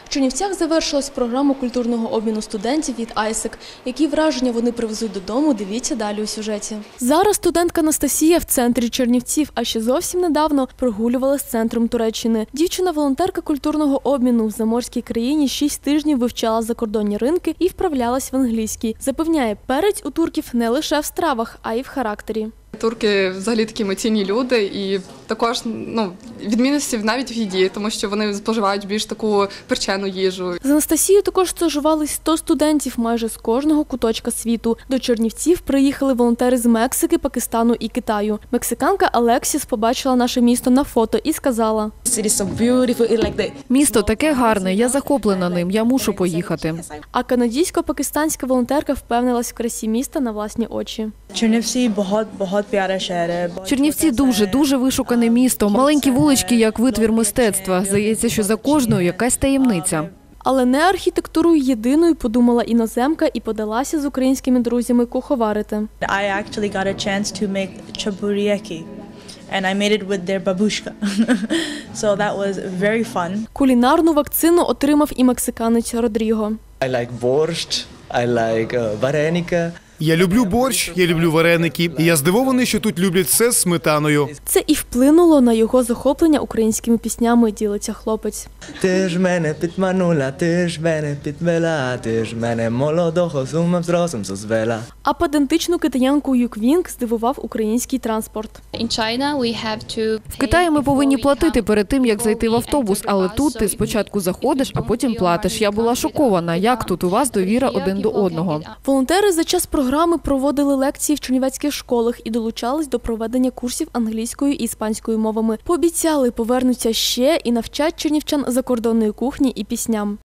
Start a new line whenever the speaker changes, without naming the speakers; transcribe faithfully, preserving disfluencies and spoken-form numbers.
В Чернівцях завершилась програма культурного обміну студентів від АЙСЕК. Які враження вони привезуть додому, дивіться далі у сюжеті. Зараз студентка Анастасія в центрі Чернівців, а ще зовсім недавно прогулювалась центром Туреччини. Дівчина-волонтерка культурного обміну в заморській країні шість тижнів вивчала закордонні ринки і вправлялась в англійській. Запевняє, перець у турків не лише в стравах, а й в характері.
Турки взагалі такі емоційні люди і також ну, відмінності навіть в їді, тому що вони споживають більш таку перчену їжу.
З Анастасією також стажувались сто студентів майже з кожного куточка світу. До Чернівців приїхали волонтери з Мексики, Пакистану і Китаю. Мексиканка Алексіс побачила наше місто на фото і сказала:
«Місто таке гарне, я захоплена ним, я мушу поїхати».
А канадійсько-пакистанська волонтерка впевнилась в красі міста на власні очі.
Чернівці багато
Чернівці дуже, дуже вишукане місто. Маленькі вулички, як витвір мистецтва. Здається, що за кожною якась таємниця.
Але не архітектурою єдиною подумала іноземка і подалася з українськими друзями куховарити.
I actually got a chance to make chapurieki. And I made it with their babushka. So that was very fun.
Кулінарну вакцину отримав і мексиканець Родріго.
I like borscht, I like uh, varenika.
Я люблю борщ, я люблю вареники, і я здивований, що тут люблять все з сметаною.
Це і вплинуло на його захоплення українськими піснями, ділиться хлопець.
Ти ж мене підманула, ти ж мене підвела, ти ж мене молодого з умом, з розум созвела.
А педантичну китаянку Юквінг здивував український транспорт.
В Китаї ми повинні платити перед тим, як зайти в автобус, але тут ти спочатку заходиш, а потім платиш. Я була шокована, як тут у вас довіра один до одного.
Волонтери за час програми проводили лекції в чернівецьких школах і долучались до проведення курсів англійською і іспанською мовами. Пообіцяли, повернуться ще і навчать чернівчан закордонної кухні і пісням.